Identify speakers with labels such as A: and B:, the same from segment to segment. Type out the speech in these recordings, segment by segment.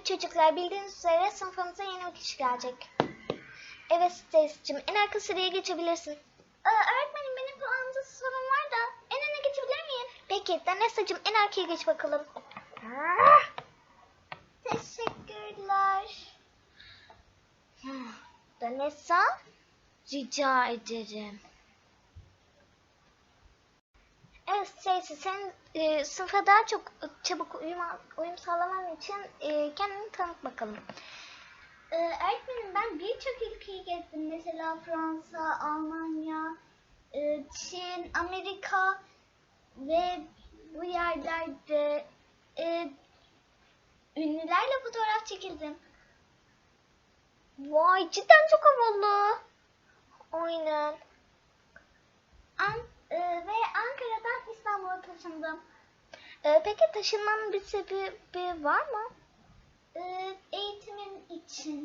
A: Evet çocuklar, bildiğiniz üzere sınıfımıza yeni bir kişi gelecek. Evet Stacy'cim, en arka sıraya geçebilirsin. Öğretmenim, benim puanımda sorun var da en öne geçebilir miyim? Peki Danessa'cım, en arkaya geç bakalım. Teşekkürler. Danessa, rica ederim. Evet Stacy, sen sınıfa daha çok çabuk uyum sağlaman için kendini tanıt bakalım.
B: Öğretmenim, ben birçok ülkeyi gezdim. Mesela Fransa, Almanya, Çin, Amerika ve bu yerlerde ünlülerle fotoğraf çekildim.
A: Vay, cidden çok havalı. Aynen.
B: Ve Ankara'dan İstanbul'a taşındım.
A: Peki taşınmanın bir sebebi var mı?
B: Eğitimim için.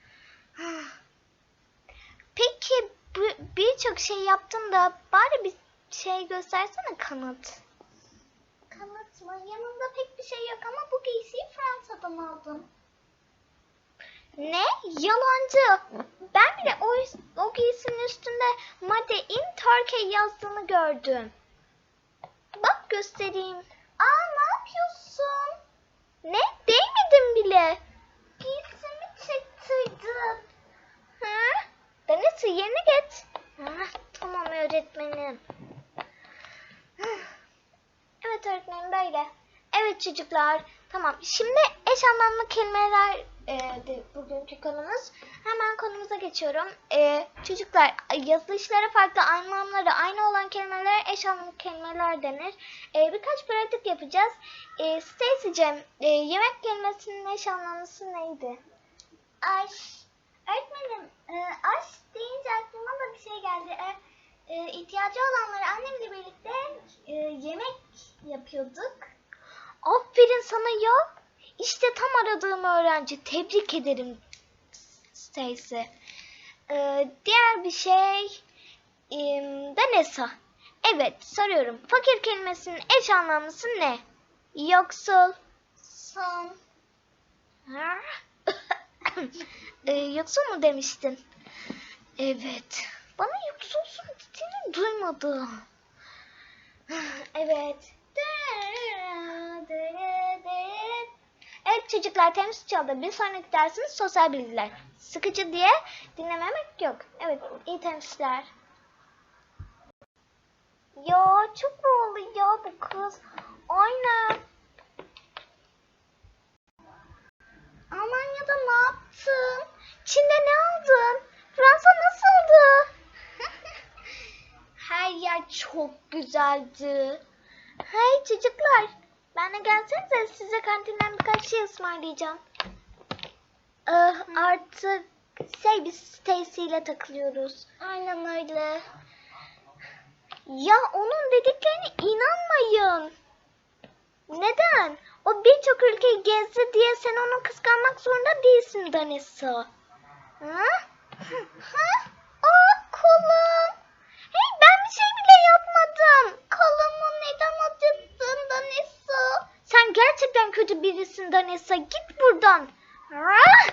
A: Peki birçok şey yaptın da bari bir şey göstersene, kanıt.
B: Kanıt mı? Yanımda pek bir şey yok ama bu giysiyi Fransa'dan aldım.
A: Ne? Yalancı. Ben bile o giysinin üstünde Made in Turkey yazdığını gördüm. Bak göstereyim.
B: Ne yapıyorsun?
A: Ne? Değmedim bile.
B: Giysimi çektirdin.
A: Ha? Danessa, yerine geç. Tamam öğretmenim. Evet öğretmenim, böyle. Evet çocuklar. Tamam. Şimdi eş anlamlı kelimeler bugünkü konumuz. Hemen konumuza geçiyorum. Çocuklar, yazılışlara farklı anlamları aynı olan kelimelere eş anlamlı kelimeler denir. Birkaç pratik yapacağız. Stacy'cim, yemek kelimesinin eş anlamlısı neydi?
B: Aş. Öğretmenim, aş deyince aklıma da bir şey geldi. İhtiyacı olanlara annemle birlikte yemek yapıyorduk.
A: Aferin sana ya. İşte tam aradığım öğrenci. Tebrik ederim Stacy. Diğer bir şey Danessa. Evet, soruyorum. Fakir kelimesinin eş anlamlısı ne? Yoksul.
B: Son.
A: Yoksul mu demiştin? Evet. Bana yoksulsun dediğini duymadım. Evet. Evet çocuklar, temiz çaldı. Bir sonraki dersimiz sosyal bilgiler. Sıkıcı diye dinlememek yok. Evet, iyi temsilciler. Ya çok havalı ya bu kız. Aynen.
B: Almanya'da ne yaptın?
A: Çin'de ne aldın? Fransa nasıldı? Her yer çok güzeldi. Hey çocuklar, benimle gelsenize, size kantinden birkaç şey ısmarlayacağım. Artık biz Stacy ile takılıyoruz.
B: Aynen öyle.
A: Ya onun dediklerine inanmayın. Neden? O birçok ülkeyi gezdi diye sen onu kıskanmak zorunda değilsin Danessa. Ha? Kolum. Hey, ben bir şey bile yapmadım.
B: Kolumu neden acıttın Danessa?
A: Sen gerçekten kötü birisin Danessa. Git buradan. Ha?